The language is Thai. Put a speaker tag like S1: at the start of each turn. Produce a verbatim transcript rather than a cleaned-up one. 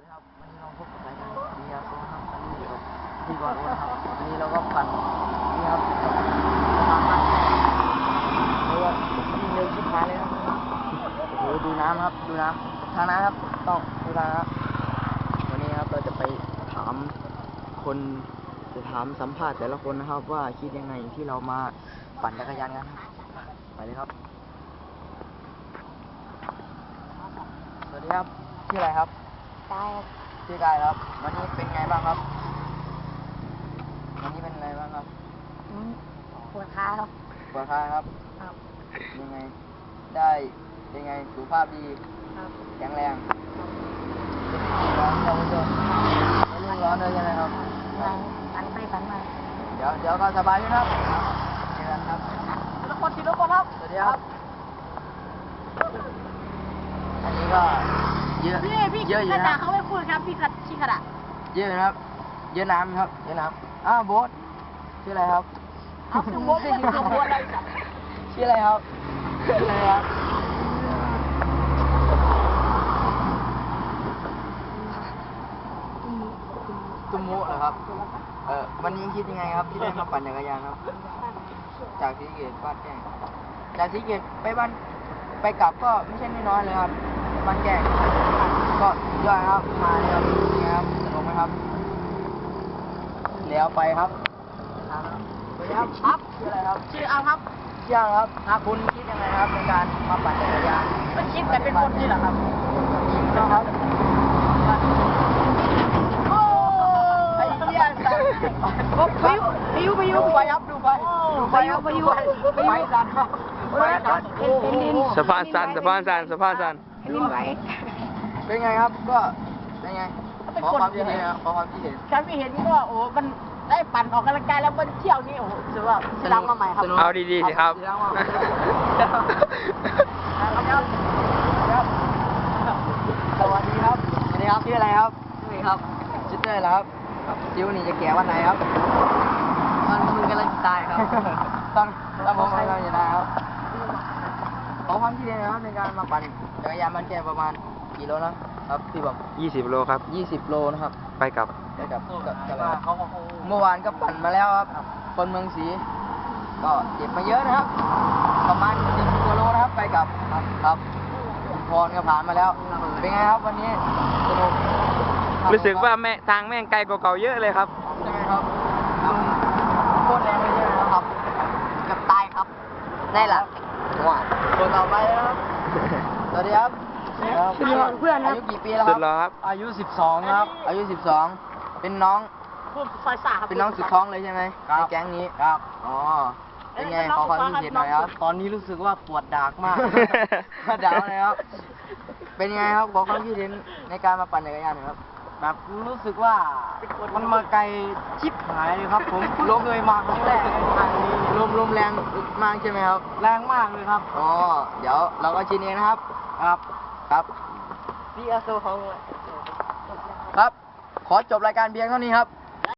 S1: ครับวันนี้เราพบกับรายการเบียร์โซนะครับอันนี้กับพี่บอลโอนะครับวันนี้เราก็ปั่นนี่ครับสะพานข้ามแยกเรือวิ่งเร็วชิบหายเลยครับโอ้โหดูน้ำครับดูน้ำทางน้ำครับต้องดูทางครับวันนี้ครับเราจะไปถามคนจะถามสัมภาษณ์แต่ละคนนะครับว่าคิดยังไงที่เรามาปั่นจักรยานกันครับไปเลยครับสวัสดีครับชื่ออะไรครับกายครับชื่อกายครับวันนี้เป็นไงบ้างครับวันนี้เป็นไงบ้างครับ
S2: ปวดขาครับ
S1: ปวดขาครับ
S2: ครับ
S1: ยังไงได้ยังไงสุขภาพดี
S2: ครับ
S1: แข็งแรงเป็นร้อนครับผู้ชมไม่รุ่มร้อนเลยใช่ไหมครับ
S2: ฝันไปฝันมา
S1: เดี๋ยวเดี๋ยวก็สบายขึ้นครับเจอกันครับทีละคนทีละคนครับสวัสดีครับอันนี้ก็เยอะ
S2: พี่พี่
S1: เยอะอยู่
S2: กระ
S1: นะ
S2: ดาษเขาไม่พูดครับพี่กัดชี้กระดาษ
S1: เยอะนะครับเยอะน้ำครับเยอะน้ำอ้าวโบ๊ทชื่ออะไรครับ
S2: เอาคือโบ๊ทไม่ทำโบ๊ทอะไรสัก
S1: ชื่ออะไรครับชื่ออะไรครับตุมุเหรอครับเออวันนี้คิดยังไงครับที่ได้มาปั่นจักรยานครับจากศรีสะเกษบ้านแก้งจากศรีสะเกษไปบ้านไปกลับก็ไม่ใช่น้อยๆเลยครับบ้านแก้งก็ยอดครับมาเลยครับนี่ครับสนุกไหมครับแล้วไปครับสวัสดีครับครับชื่ออะไรครับ
S2: ชื่อเอาครับ
S1: ชื่ออะไรครับถ้าคุณคิดยังไงครับในการมาปั่นจักรยาน
S2: ไม่คิดแต่เป็นคนนี่แหละครับ
S1: ครับโอ้ไอ้เหี้ยสั่นพายุพายุพายุไปครับดูไปดูไปครับพายุไปสั่นครับไปสั่นโอ้โห
S3: สะพานสั่นสะพานสั่นสะพานสั่น
S2: นิ่มไหว
S1: เป็นไงครับก็เป็นไงขอความคิดเห็นขอความคิดเห็น
S2: การที่เห็นก็โอ้มันได้ปั่นออกกำลังกายแล้วมันเที่ยวนี่โอ้โหถือว่าสร้างมาใหม่ครับ
S3: เอาดีๆสิครับ
S1: สวัสดีครับสวัสดีครับชื่ออะไรครับชื่อครับชื่อเต้ยเหรอครับจิ๋วนี่จะแก่วันไหนครับ
S2: ตอนมึงกำลังจะตายครับ
S1: ตอนตอนผมกำลังจะตายครับขอความคิดเห็นนะครับในการมาปั่นจักรยานมันแก่ประมาณกี่โลนะครับพี่บอก
S3: ยี่สิบโลครับ
S1: ยี่สิบโลนะครับ
S3: ไปกลับ
S1: ไปกับกับกับเมื่อวานก็ปั่นมาแล้วครับคนเมืองศรีก็เจ็บมาเยอะนะครับประมาณสิบกว่าโลนะครับไปกับครับพรก็ผ่านมาแล้วเป็นไงครับวันนี้สนุก
S3: รู้สึกว่าแม่ทางแม่งไกลกว่าเก่าเยอะเลยครับ
S1: ใช่ไหมครับโคตรแรงเลยใช่ไหมครับกับตายครับได้ละว้าคนต่อไปครับสวัสดีครับ
S2: เพื่อนนะ
S1: อายุกี่ปีแล้ว
S3: ครับ
S1: อายุสิบสองครับอายุสิบสองเป็นน้อง
S2: ซอยสา
S1: เป็นน้องสุดท้องเลยใช่ไหมในแก๊งนี้ครับอ๋อเป็นไงขอความคิดเห็นหน่อยครับตอนนี้รู้สึกว่าปวดดากมากดากเลยครับเป็นไงครับขอความคิดเห็นในการมาปั่นจักรยานครับแบบรู้สึกว่ามันมาไกลชิบหายเลยครับผมลมเลยมาครั้งแรกทางนี้ลมลมแรงมากใช่ไหมครับแรงมากเลยครับอ๋อเดี๋ยวเราก็ชินเองนะครับครับครับ
S2: พี่อาโซของ
S1: ครับขอจบรายการเพียงเท่านี้ครับ